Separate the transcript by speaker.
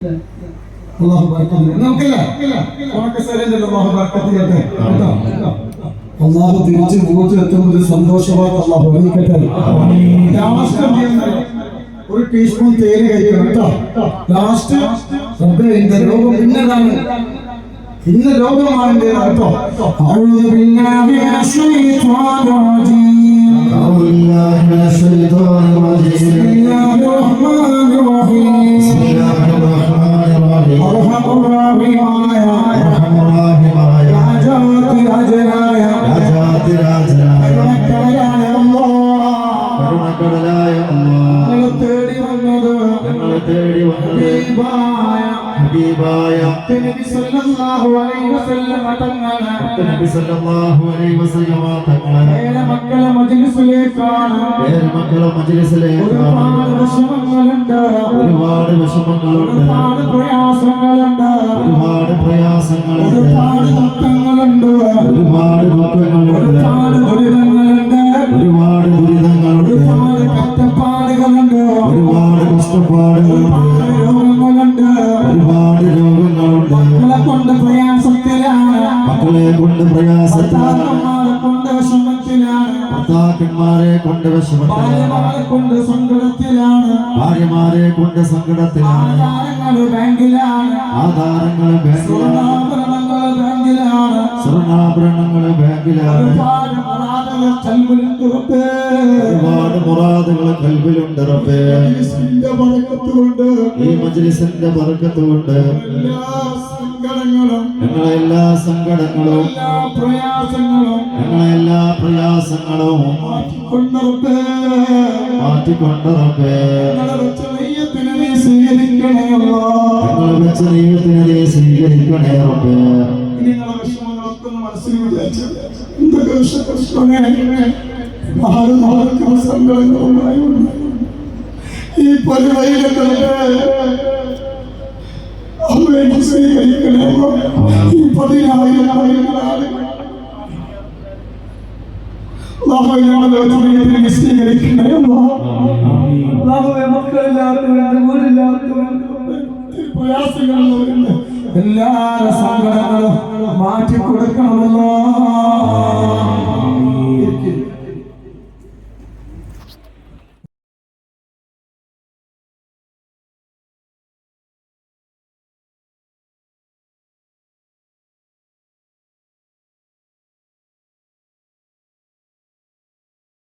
Speaker 1: അല്ലാഹു ബർക്കത്ത് നമുക്കല്ലേ ഉണക്ക സരണ്ടല്ലോ അല്ലാഹു ബർക്കത്ത് ചെയ്യട്ടെ കേട്ടോ അല്ലാഹു തിരിച്ച് മൂത്ത് എത്തുന്നത് സന്തോഷവാർത്ത അല്ലാഹു അറിയിക്കട്ടെ ലാസ്റ്റ് ഒരു ടീസ്പൂൺ തേയില കഴിക്കണം കേട്ടോ ലാസ്റ്റ് റബ്ബേ എന്റെ രോഗം പിന്നതാണ് ഇന്ന രോഗമാണ് കേട്ടോ അഊദു ബില്ലാഹി മിനശ് ശൈത്വാനിർ റജീം അഊദു ബില്ലാഹി മിനശ് ശൈത്വാനിർ റജീം ബിസ്മില്ലാഹിർ റഹ്മാനിർ റഹീം ബിസ്മില്ലാഹിർ റഹ്മാനിർ റഹീം അർഹമുർ റഹീമായ അർഹമുർ റഹീമായ രാജാതി രാജനായ രാജാതി രാജനായ കരുണക്കടലായ അല്ലാഹ് കരുണക്കടലായ അല്ലാഹ് തേടി വന്നത് ഹബീബായ നബി സല്ലല്ലാഹു അലൈഹി വസല്ലം തങ്ങളെ മക്കളെ മജ്ലിസിലേക്കാണ് ഒരുപാട് വിഷമങ്ങളുണ്ട് ഒരുപാട് പ്രയാസങ്ങളുണ്ട് ഒരുപാട് ദുഃഖങ്ങളുണ്ട് ഒരുപാട് ദുരിതങ്ങളുണ്ട് ഒരുപാട് കഷ്ടപ്പാടുകളുണ്ട് ഒരുപാട് കഷ്ടപ്പാടുകളുണ്ട് രോഗങ്ങളുണ്ട് ഒരുപാട് രോഗങ്ങളുണ്ട് മക്കളെ കൊണ്ട് പ്രയാസത്തിലാണ് കൊണ്ട് വിഷമത്തിലാണ് ഭർത്താക്കന്മാരെ കൊണ്ട് വിഷമത്തിലാണ് കൊണ്ട് സങ്കടത്തിലാണ് ഭാര്യമാരെ കൊണ്ട് സങ്കടത്തിലാണ് ആധാരങ്ങൾ ബാങ്കിലാണ് സ്വർണ്ണാഭരണങ്ങൾ ബാങ്കിലാണ് ഒരുപാട് മുറാദുകൾ കൽബിലുണ്ട് റബ്ബേ ഈ മജ്ലിസിന്റെ ബർക്കത്ത് കൊണ്ട് ഞങ്ങളെല്ലാ സങ്കടങ്ങളും ഞങ്ങളെല്ലാ പ്രയാസങ്ങളും മാറ്റിക്കൊണ്ട് റബ്ബേ സ്വീകരിക്കണേ റബ്ബേ മനസ്സിൽ വിചാരിച്ചു എന്തൊക്കെ സങ്കടങ്ങളുമായി ഈ പരിവൈകങ്ങളെ സ്വീകരിക്കണേ ഈ 10,000 സ്വീകരിക്കണേ പ്രയാസങ്ങളുണ്ട് എല്ലാ സങ്കടങ്ങളും മാറ്റി കൊടുക്കണമല്ലോ